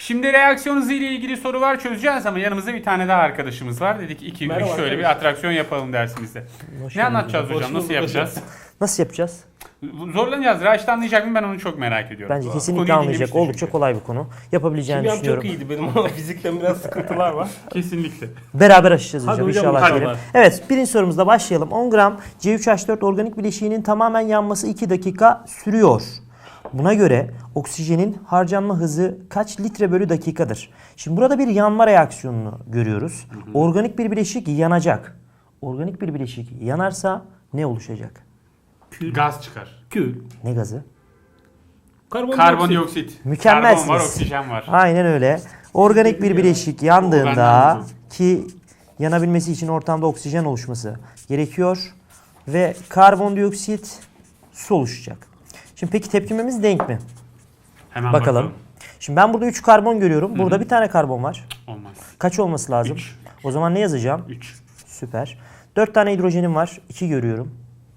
Şimdi reaksiyon hızı ile ilgili soru var, çözeceğiz ama yanımızda bir tane daha arkadaşımız var. Dedik 2-3 şöyle bir atraksiyon yapalım dersimizde. Ne anlatacağız hocam? Nasıl yapacağız? Nasıl yapacağız? Zorlanacağız. Raşit anlayacak mı? Ben onu çok merak ediyorum. Bence kesinlikle anlayacak. Oldukça kolay bir konu. Yapabileceğini Kimyam düşünüyorum. çok iyiydi benim ama fizikten biraz sıkıntılar var. Kesinlikle. Beraber aşacağız Hadi hocam hocam, inşallah. hadi diyelim. var. Evet, birinci sorumuzda başlayalım. 10 gram C3H4 organik bileşiğinin tamamen yanması 2 dakika sürüyor. Buna göre oksijenin harcanma hızı kaç litre bölü dakikadır? Şimdi burada bir yanma reaksiyonunu görüyoruz. Organik bir bileşik yanacak. Organik bir bileşik yanarsa ne oluşacak? Gaz çıkar. Kül. Ne gazı? Karbondioksit. Mükemmelsiniz. Karbon var, oksijen var. Aynen öyle. Organik bir bileşik yandığında ki yanabilmesi için ortamda oksijen oluşması gerekiyor ve karbondioksit su oluşacak. Şimdi peki tepkimemiz denk mi? Hemen Bakalım. Şimdi ben burada 3 karbon görüyorum. Burada bir tane karbon var. Olmaz. Kaç olması lazım? 3. O zaman ne yazacağım? 3. Süper. 4 tane hidrojenim var. 2 görüyorum.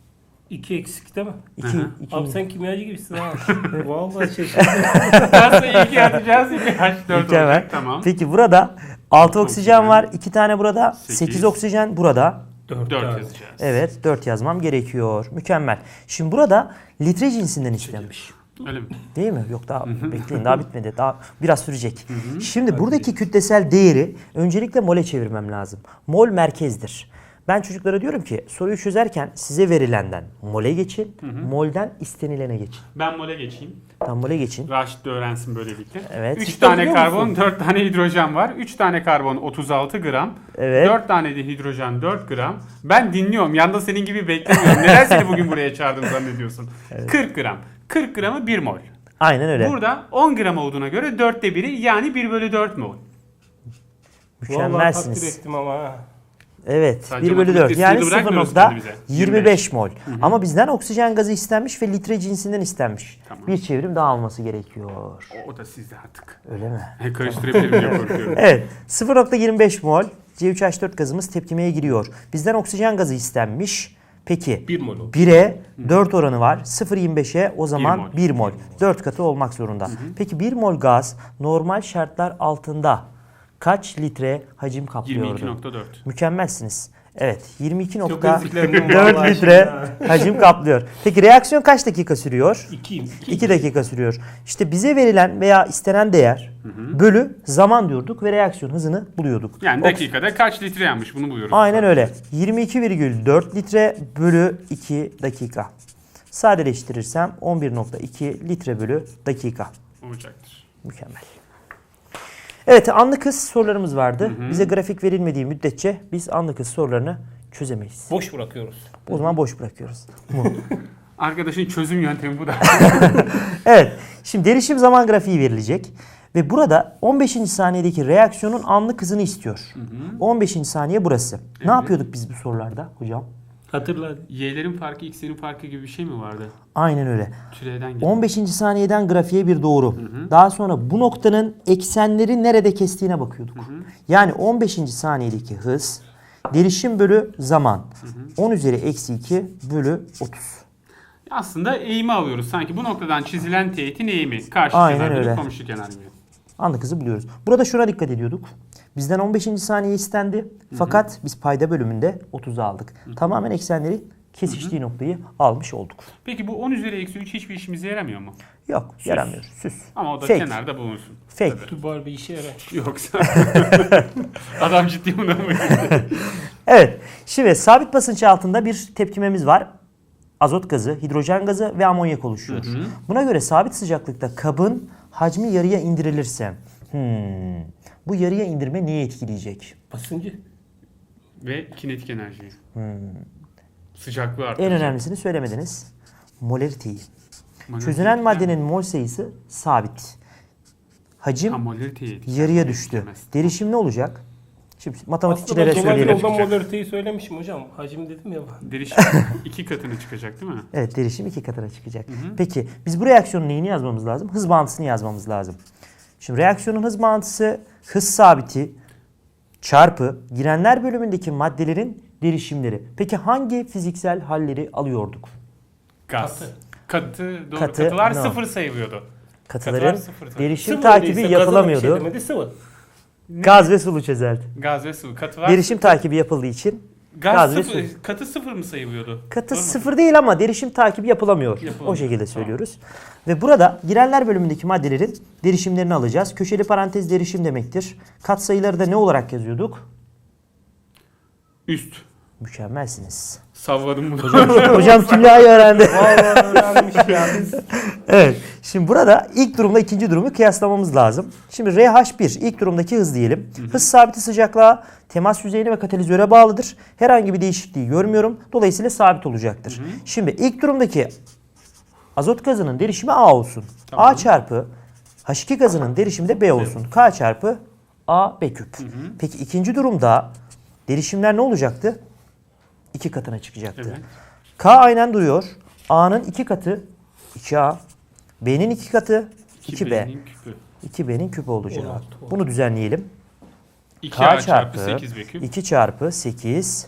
2 eksik değil mi? 2. Abi sen kimyacı gibisin ha. Vallahi şaşırdım. Aslında ilk yapacağız. H4 Mükemmel. olacak. Tamam. Peki burada 6 oksijen var. 2 tane burada. 8. 8 oksijen burada. 4 yazacağız. Evet, 4 yazmam gerekiyor. Mükemmel. Şimdi burada litre cinsinden istenmiş. Öyle mi? Değil mi? Yok daha bekleyin, daha bitmedi. Daha biraz sürecek. Şimdi buradaki kütlesel değeri öncelikle mole çevirmem lazım. Mol merkezdir. Ben çocuklara diyorum ki soruyu çözerken size verilenden mole geçin, molden istenilene geçin. Ben mole geçeyim. Tam mole geçin. Raşit de öğrensin böylelikle. Evet. 3 Cidden tane biliyor karbon, musun? 4 tane hidrojen var. 3 tane karbon 36 gram. Evet. 4 tane de hidrojen 4 gram. Ben dinliyorum. Yanda senin gibi beklemiyorum. Neden seni bugün buraya çağırdım zannediyorsun? 40 gram. 40 gramı 1 mol. Aynen öyle. Burada 10 gram olduğuna göre 4'te 1'i yani 1 bölü 4 mol. Vallahi takdir Mükemmelsiniz. ettim ama ha. Evet. Sadece 1 bölü 4 matematik yani sınırı bırakmıyoruz kendimize. 0.25 mol. Ama bizden oksijen gazı istenmiş ve litre cinsinden istenmiş. Tamam. Bir çevrim daha alması gerekiyor. O da sizde artık. Öyle mi? Karıştırabilirim diye korkuyorum. Evet. 0.25 mol C3H4 gazımız tepkimeye giriyor. Bizden oksijen gazı istenmiş. Peki 1 mol oldu. 1'e 4 oranı var. 0.25'e o zaman mol. 1 mol. 4 katı olmak zorunda. Peki 1 mol gaz normal şartlar altında kaç litre hacim kaplıyordu? 22.4. Mükemmelsiniz. Evet, Çok 22.4 eziklendim vallahi litre şimdi hacim kaplıyor. Peki reaksiyon kaç dakika sürüyor? 2'yim. 2 dakika sürüyor. İşte bize verilen veya istenen değer bölü zaman diyorduk ve reaksiyon hızını buluyorduk. Yani dakikada kaç litre yanmış bunu buluyoruz. Aynen öyle. 22,4 litre bölü 2 dakika. Sadeleştirirsem 11,2 litre bölü dakika. Olacaktır. Mükemmel. Evet, anlık hız sorularımız vardı. Bize grafik verilmediği müddetçe biz anlık hız sorularını çözemeyiz. Boş bırakıyoruz. O zaman boş bırakıyoruz. Arkadaşın çözüm yöntemi bu da. Evet, şimdi derişim zaman grafiği verilecek. Ve burada 15. saniyedeki reaksiyonun anlık hızını istiyor. 15. saniye burası. Ne yapıyorduk biz bu sorularda hocam? Hatırla. Y'lerin farkı, X'lerin farkı gibi bir şey mi vardı? Aynen öyle. Türevden geliyor. 15. saniyeden grafiğe bir doğru. Daha sonra bu noktanın eksenleri nerede kestiğine bakıyorduk. Yani 15. saniyedeki hız derişim bölü zaman. 10 üzeri eksi 2 bölü 30. Aslında eğimi alıyoruz. Sanki bu noktadan çizilen teğetin eğimi. Karşı Aynen kenar öyle. bölü komşu kenar gibi. Anlık hızı buluyoruz. Burada şuna dikkat ediyorduk. Bizden 15. saniye istendi. Fakat biz payda bölümünde 30'u aldık. Tamamen eksenleri kesiştiği noktayı almış olduk. Peki bu 10 üzeri eksi 3 hiçbir işimize yaramıyor mu? Yok, yaramıyor. Süs. Ama o da Fake. kenarda bulunsun. Fake. Tubar bir işe yarar. Yoksa adam ciddi buna mı? Evet. Şimdi sabit basınç altında bir tepkimemiz var. Azot gazı, hidrojen gazı ve amonyak oluşuyor. Buna göre sabit sıcaklıkta kabın hacmi yarıya indirilirse bu yarıya indirme neyi etkileyecek? Basıncı. Ve kinetik enerjiyi. Sıcaklığı arttıracak. En önemlisini söylemediniz. Molariteyi. Molarite Çözünen yani. maddenin mol sayısı sabit. Hacim Molariteyi etkileyecek. yarıya düştü. Etkilemez. Derişim ne olacak? Şimdi Aslında matematikçilere ben dolaylı söyleyelim. yoldan molariteyi söylemişim hocam. Hacim dedim ya. Derişim 2 katına çıkacak değil mi? Evet, derişim 2 katına çıkacak. Peki biz bu reaksiyonun neyini yazmamız lazım? Hız bağıntısını yazmamız lazım. Şimdi reaksiyonun hız bağıntısı hız sabiti çarpı girenler bölümündeki maddelerin derişimleri. Peki hangi fiziksel halleri alıyorduk? Gaz. Katı. Katı, doğru. Katı, Katılar no. 0 sayılıyordu. Katıların sıfır tabii. derişim Sıvı takibi öyleyse gazına yapılamıyordu. Bir şey demedi, sıvı. Gaz ve sulu çözelti. Gaz ve sıvı. Katı var. Derişim takibi yapıldığı için Gaz gaz ve sıfır, su. katı sıfır mı sayılıyordu? katı Doğru mu? sıfır değil ama derişim takibi yapılamıyor. Yapılamıyor. O şekilde Tamam. söylüyoruz. Ve burada girenler bölümündeki maddelerin derişimlerini alacağız. Köşeli parantez derişim demektir. Katsayıları da ne olarak yazıyorduk? Üst. Mükemmelsiniz. Savladım bunu. Hocam kimyayı öğrendi. Vallahi öğrenmiş ya biz. Evet. Şimdi burada ilk durumla ikinci durumu kıyaslamamız lazım. Şimdi RH1 ilk durumdaki hız diyelim. Hız sabiti sıcaklığa, temas yüzeyine ve katalizöre bağlıdır. Herhangi bir değişikliği görmüyorum. Dolayısıyla sabit olacaktır. Şimdi ilk durumdaki azot gazının derişimi A olsun. Tamam. A çarpı H2 gazının derişimi de B olsun. K çarpı A B küp. Peki ikinci durumda derişimler ne olacaktı? 2 katına çıkacaktı. Evet. K aynen duruyor. A'nın 2 katı 2A. B'nin 2 katı 2B. 2B'nin küpü. 2B'nin küpü olacak. 16 oldu. Bunu düzenleyelim. 2A çarpı 8B küp. 2 çarpı 8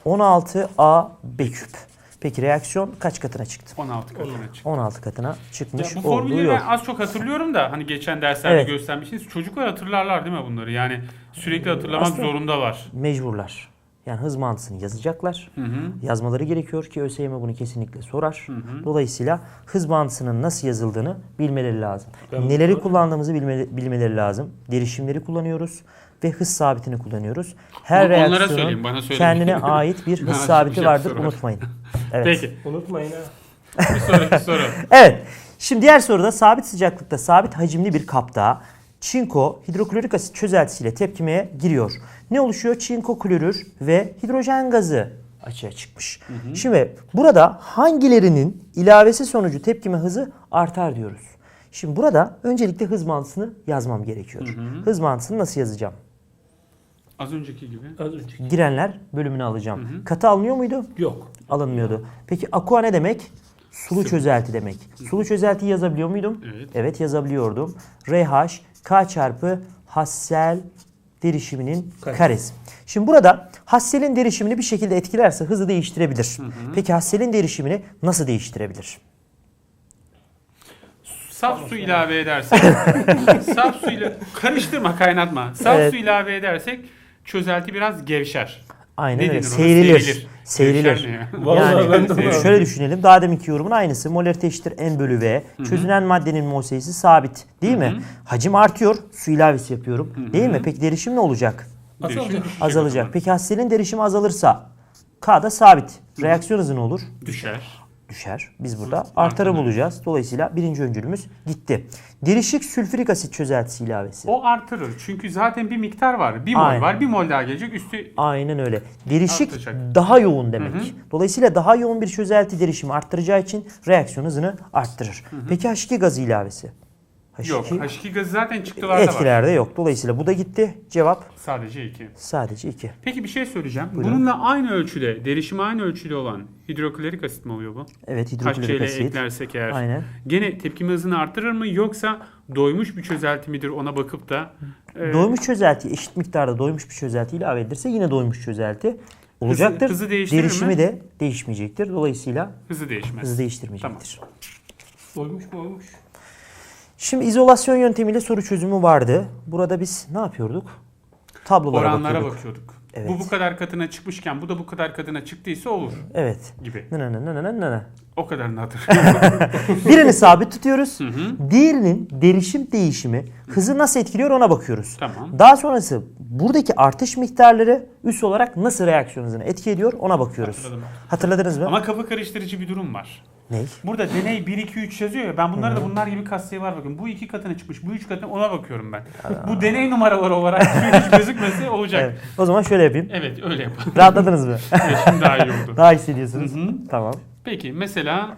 16A B küp. Peki reaksiyon kaç katına çıktı? 16 katına çıktı. 16 katına çıkmış Bu olduğu formülü yok. ben az çok hatırlıyorum da hani geçen derslerde Evet. göstermişsiniz. Çocuklar hatırlarlar değil mi bunları? Yani sürekli hatırlamak Aslında- zorundalar. Mecburlar. Yani hız mantısını yazacaklar. Hı hı. Yazmaları gerekiyor ki ÖSYM bunu kesinlikle sorar. Dolayısıyla hız mantısının nasıl yazıldığını bilmeleri lazım. Ben Neleri bunu- kullandığımızı bilmeleri lazım. Derişimleri kullanıyoruz ve hız sabitini kullanıyoruz. Her Onlara reaksiyonun söyleyin, bana söylemeyin. kendine ait bir Ben hız sabiti şey vardır. sorar. Unutmayın. Evet. Peki. Unutmayın ha. Bir sonraki soru. Evet. Şimdi diğer soruda sabit sıcaklıkta sabit hacimli bir kapta çinko hidroklorik asit çözeltisiyle tepkimeye giriyor. Ne oluşuyor? Çinko klorür ve hidrojen gazı açığa çıkmış. Şimdi burada hangilerinin ilavesi sonucu tepkime hızı artar diyoruz. Şimdi burada öncelikle hız mantısını yazmam gerekiyor. Hız mantısını nasıl yazacağım? Az önceki gibi. Az önce. Girenler bölümünü alacağım. Katı alınıyor muydu? Yok. Alınmıyordu. Peki aqua ne demek? Sulu çözelti demek. Sulu çözeltiyi yazabiliyor muydum? Evet. Evet yazabiliyordum. RH K çarpı Hassel derişiminin karesi. Şimdi burada Hassel'in derişimini bir şekilde etkilerse hızı değiştirebilir. Peki Hassel'in derişimini nasıl değiştirebilir? Saf su ilave edersek, saf su ile karıştırma, kaynatma. Saf Evet. su ilave edersek çözelti biraz gevşer. Aynen Ne öyle. denir ona? Seyrililir. Seyrililir. Gevşer ne ya? Vallahi ben de Seyrililir. bunu- Şöyle düşünelim. Daha deminki yorumun aynısı. Molarite eşittir N bölü V. Çözünen maddenin mol sayısı sabit. Değil mi? Hacim artıyor. Su ilavesi yapıyorum. Değil mi? Peki derişim ne olacak? Değişim Azalacak. düşecek Azalacak. o zaman. Peki Hassel'in derişimi azalırsa K da sabit. Reaksiyon hızı ne olur? Düşer. Düşer. Biz burada artarı bulacağız. Dolayısıyla birinci öncülümüz gitti. Derişik sülfürik asit çözeltisi ilavesi. O artırır. Çünkü zaten bir miktar var. Bir mol Aynen. var. Bir mol daha gelecek. Üstü Aynen öyle. Derişik Artacak. daha yoğun demek. Dolayısıyla daha yoğun bir çözelti derişimi arttıracağı için reaksiyon hızını arttırır. Peki H2 gazı ilavesi? H2 yok. H2 gazı zaten çıktılarda var. etkilerde yok. Dolayısıyla bu da gitti. Cevap Sadece 2. sadece 2. Peki bir şey söyleyeceğim. Buyurun. Bununla aynı ölçüde, derişimi aynı ölçüde olan hidroklorik asit mi oluyor bu? Evet HCl hidroklorik asit. eklersek eğer. Aynen. Gene tepkime hızını artırır mı yoksa doymuş bir çözelti midir ona bakıp da Doymuş çözelti eşit miktarda doymuş bir çözelti ilave edilirse yine doymuş çözelti olacaktır. hızı değiştirir Derişimi mi? de değişmeyecektir. Dolayısıyla hızı değişmez. hızı değiştirmeyecektir. Oymuş mu oymuş? Şimdi izolasyon yöntemiyle soru çözümü vardı. Burada biz ne yapıyorduk? Tablolara Oranlara bakıyorduk. bakıyorduk. Evet. Bu kadar katına çıkmışken bu da bu kadar katına çıktıysa olur Evet. gibi. Nı. O kadarını hatırlıyorum. Birini sabit tutuyoruz. hı. Diğerinin derişim değişimi hızı nasıl etkiliyor ona bakıyoruz. Tamam. Daha sonrası buradaki artış miktarları üs olarak nasıl reaksiyon hızını etki ediyor ona bakıyoruz. Hatırladım. Hatırladınız mı? Ama kafa karıştırıcı bir durum var. Ne? Burada deney 1, 2, 3 yazıyor ya. Ben bunlara da bunlar gibi katsayı var bakın. Bu 2 katına çıkmış, bu 3 katına ona bakıyorum ben. Bu deney numaraları olarak hiç gözükmese olacak. Evet. O zaman şöyle yapayım. Evet öyle yapalım. Rahatladınız mı? Evet, şimdi daha iyi oldu. Daha hissediyorsunuz. Hı hı. Tamam. Peki mesela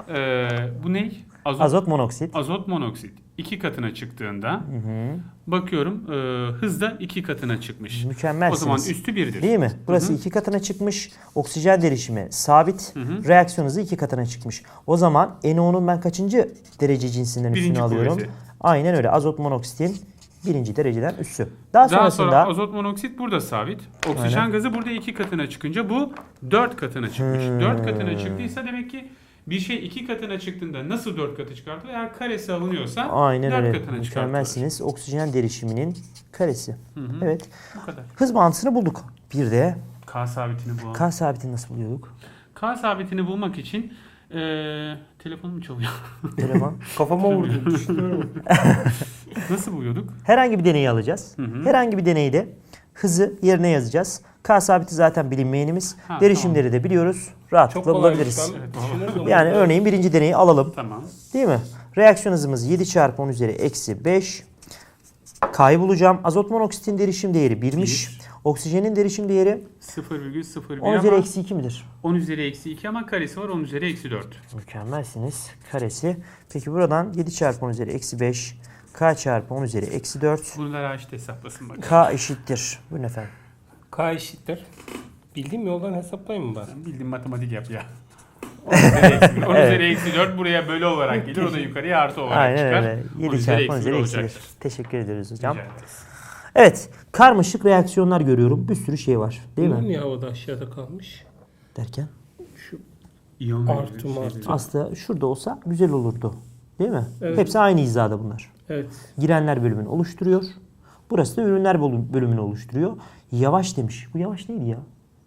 bu ne? Azot monoksit. Azot monoksit 2 katına çıktığında bakıyorum hız da 2 katına çıkmış. Mükemmelsiniz. O zaman üstü 1'dir. Değil mi? Burası 2 katına çıkmış. Oksijen derişimi sabit. Reaksiyon hızı 2 katına çıkmış. O zaman NO'nun ben kaçıncı derece cinsinden üstünü Birinci alıyorum? kuvveti. Aynen öyle. Azot monoksitin birinci dereceden üssü. Daha Daha sonrasında sonra azot monoksit burada sabit. Oksijen gazı burada 2 katına çıkınca bu 4 katına çıkmış. 4 katına çıktıysa demek ki Bir şey 2 katına çıktığında nasıl 4 katı çıkartılır? Eğer karesi alınıyorsa Aynen 4 öyle. katına çıkartılır. Mükemmelsiniz. Oksijen derişiminin karesi. Hı. Evet. Bu kadar. Hız bağıntısını bulduk. Bir de K sabitini bulalım. K sabitini nasıl buluyorduk? K sabitini bulmak için telefonum çalıyor. Telefon. Kafama vurdu. Düşünüyorum. Nasıl buluyorduk? Herhangi bir deneyi alacağız. Herhangi bir deneyde hızı yerine yazacağız. K sabiti zaten bilinmeyenimiz. Ha, Derişimleri de biliyoruz. Rahatlıkla Çok kolay. bulabiliriz. Ben düşünürdüm. Yani örneğin birinci deneyi alalım. Tamam. Değil mi? Reaksiyon hızımız 7 çarpı 10 üzeri eksi 5. K'yı bulacağım. Azot monoksitin derişim değeri 1'miş. Oksijenin derişim değeri 0,01 10 üzeri ama eksi 2 midir? 10 üzeri eksi 2 ama karesi var 10 üzeri eksi 4. Mükemmelsiniz. Karesi. Peki buradan 7 çarpı 10 üzeri eksi 5. K çarpı 10 üzeri eksi 4. Bunu da Raşit hesaplasın bakalım. K eşittir. Buyurun efendim. K eşittir. Bildiğim yoldan hesaplayayım mı ben? Sen bildiğin matematik yap ya. 10 üzeri eksi 1. 10 üzeri eksi 4 buraya bölü olarak gelir. O da yukarıya artı olarak Aynen çıkar. öyle. 10 7 üzeri çarpı 10 eksi 1 üzeri eksi 1. olacaktır. Teşekkür ederiz hocam. Rica ederiz. Evet. Karmaşık reaksiyonlar görüyorum. Bir sürü şey var. Değil mi? Niye havada aşağıda kalmış? Derken. Şu İyon Artı verici mı şeyleri. Aslında şurada olsa güzel olurdu. Değil mi? Evet. Hepsi aynı hizada bunlar. evet. Girenler bölümünü oluşturuyor. Burası da ürünler bölümünü oluşturuyor. Yavaş demiş. Bu yavaş neydi ya?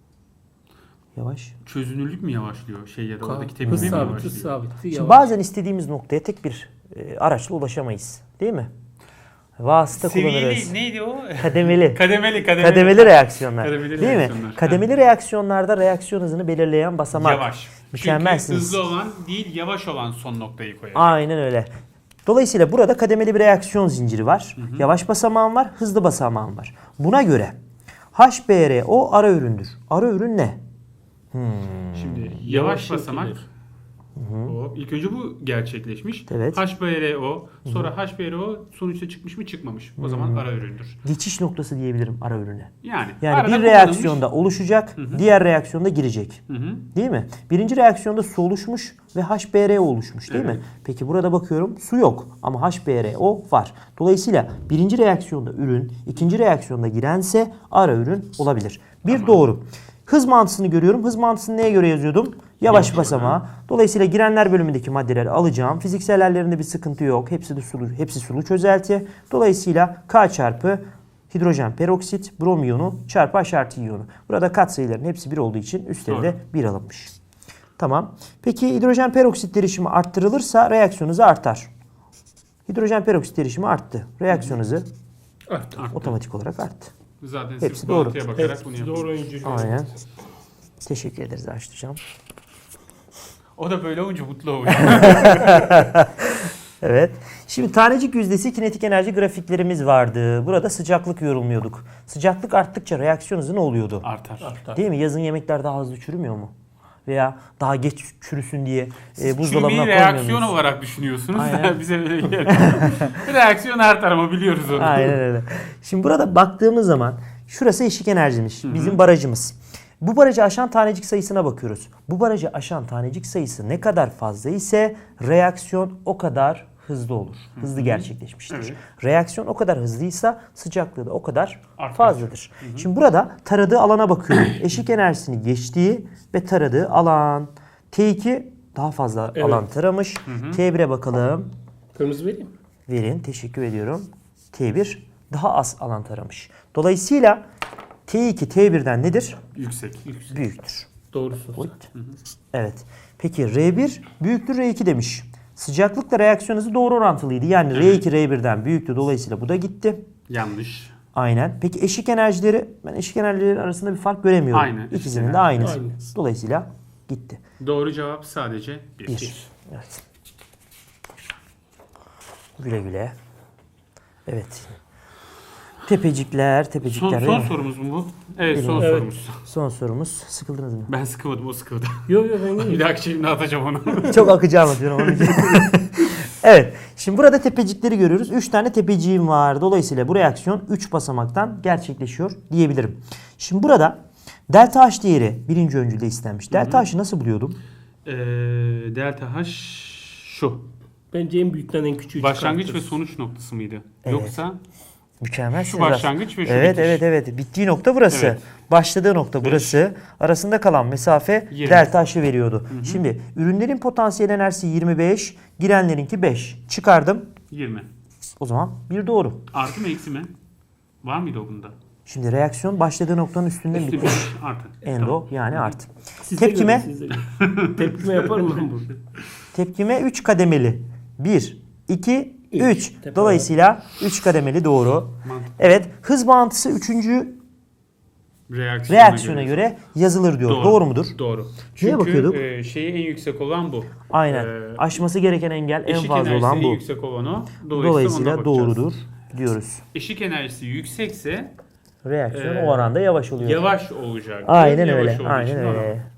Yavaş. Çözünürlük mü yavaşlıyor? Şey ya da oradaki Hız tepkime mi sabiti, yavaşlıyor? hız sabiti. Şimdi Yavaş. bazen istediğimiz noktaya tek bir araçla ulaşamayız. Değil mi? Vasıta kullanırız. Seviyeli neydi o? Kademeli. Kademeli reaksiyonlar. Kademeli değil reaksiyonlar. mi? Kademeli reaksiyonlarda reaksiyon hızını belirleyen basamak. Yavaş. Mükemmelsiniz. Çünkü hızlı olan değil yavaş olan son noktayı koyar. Aynen öyle. Dolayısıyla burada kademeli bir reaksiyon zinciri var. Yavaş basamağın var, hızlı basamağın var. Buna göre HBRO ara üründür. Ara ürün ne? Şimdi yavaş Yavaş basamak. yapılır. O, ilk önce bu gerçekleşmiş. Evet. HBRO, sonra HBRO sonuçta çıkmış mı çıkmamış. O zaman ara üründür. Geçiş noktası diyebilirim ara ürüne. Yani Yani arada bir kullanılmış- reaksiyonda oluşacak, diğer reaksiyonda girecek. Hı hı. Değil mi? Birinci reaksiyonda su oluşmuş ve HBRO oluşmuş değil mi? Peki burada bakıyorum su yok ama HBRO var. Dolayısıyla birinci reaksiyonda ürün, ikinci reaksiyonda girense ara ürün olabilir. Bir Tamam. doğru. Hız mantısını görüyorum. Hız mantısını neye göre yazıyordum? Yavaş basamağa. Dolayısıyla girenler bölümündeki maddeleri alacağım. Fiziksel hallerinde bir sıkıntı yok. Hepsi de sulu, hepsi sulu çözelti. Dolayısıyla K çarpı hidrojen peroksit, brom iyonu çarpı H artı iyonu. Burada katsayıların hepsi 1 olduğu için üstleri de 1 alınmış. Tamam. Peki hidrojen peroksit derişimi arttırılırsa reaksiyon hızı artar. Hidrojen peroksit derişimi arttı. Reaksiyon hızı Arttı. otomatik olarak arttı. Zaten Hepsi sırf doğru. bağıntıya bakarak Evet, bunu yapıyor. doğru oyuncu. Aynen. Teşekkür ederiz Aşt Hocam. O da böyle olunca mutlu oluyor. Evet. Şimdi tanecik yüzdesi kinetik enerji grafiklerimiz vardı. Burada sıcaklık yorulmuyorduk. Sıcaklık arttıkça reaksiyon hızı ne oluyordu? Artar. Arttı. Değil mi? Yazın yemekler daha hızlı çürümüyor mu? Veya daha geç çürüsün diye buzdolabına Çürümeyi koymuyor reaksiyon muyuz? olarak düşünüyorsunuz Aynen. da bize böyle geliyor. Reaksiyon artar ama biliyoruz onu. Aynen öyle. Şimdi burada baktığımız zaman şurası eşik enerjimiz. Bizim barajımız. Bu barajı aşan tanecik sayısına bakıyoruz. Bu barajı aşan tanecik sayısı ne kadar fazla ise reaksiyon o kadar hızlı olur. Hızlı gerçekleşmiştir. Evet. Reaksiyon o kadar hızlıysa sıcaklığı da o kadar Artar. fazladır. Şimdi burada taradığı alana bakıyorum. Eşik enerjisini geçtiği ve taradığı alan. T2 daha fazla Evet. alan taramış. T1'e bakalım. Kırmızı vereyim. Verin. Teşekkür ediyorum. T1 daha az alan taramış. Dolayısıyla T2 T1'den nedir? Yüksek. Büyüktür. Doğrusu. Buyut. Evet. Peki R1 büyüktür R2 demiş. Sıcaklıkla reaksiyon hızı doğru orantılıydı. Yani R2 R1'den büyüktü. Dolayısıyla bu da gitti. Yanlış. Aynen. Peki eşik enerjileri, ben eşik enerjileri arasında bir fark göremiyorum. Aynı. İkisinin de aynı. Aynı. Dolayısıyla gitti. Doğru cevap sadece 1. 1. Evet. Güle güle. Evet. Tepecikler. Son değil mi? sorumuz mu bu? Evet son Evet. sorumuz. Son sorumuz. Sıkıldınız mı? Ben sıkılmadım o sıkıldı. Yok yok ben Bir değilim. dahaki şeyimde atacağım onu. Çok akıcı anlatıyorum onun için. Evet. Şimdi burada tepecikleri görüyoruz. 3 tane tepeciğim var. Dolayısıyla bu reaksiyon 3 basamaktan gerçekleşiyor diyebilirim. Şimdi burada delta H değeri birinci öncülde istenmiş. Delta H'ı nasıl buluyordum? Delta H şu. Bence en büyükten en küçüğü Başlangıç ve çıkartırız. sonuç noktası mıydı? Evet. Yoksa Mükemmel. Şu başlangıç ve şu Evet, bitiş. evet, evet. Bittiği nokta burası. Evet. Başladığı nokta burası. Arasında kalan mesafe 20. delta H'ı veriyordu. Şimdi ürünlerin potansiyel enerjisi 25, girenlerinki 5. Çıkardım. 20. O zaman bir doğru. Artı mı eksi mi? Var mıydı o bunda? Şimdi reaksiyon başladığı noktanın üstünden Üstü bitmiş. bir artı. Endo yani artı. Size Tepkime? göre, size göre. Tepkime yaparım ben burada. Tepkime 3 kademeli. 1, 2, 3. Tepe Dolayısıyla 3 kademeli doğru. Mantıklı. Evet, hız bağıntısı 3. reaksiyona göre yazılır diyor. Doğru mudur? Doğru. Neye bakıyorduk? Çünkü şeyi en yüksek olan bu. Aynen. Ee, Aşması gereken engel en Eşik fazla enerjisi olan en bu. yüksek olan o. Dolayısıyla ona bakacağız. doğrudur diyoruz. Eşik enerjisi yüksekse Reaksiyon o oranda yavaş oluyor. yavaş olacak. Aynen Yavaş öyle. olduğu Aynen için öyle. normal.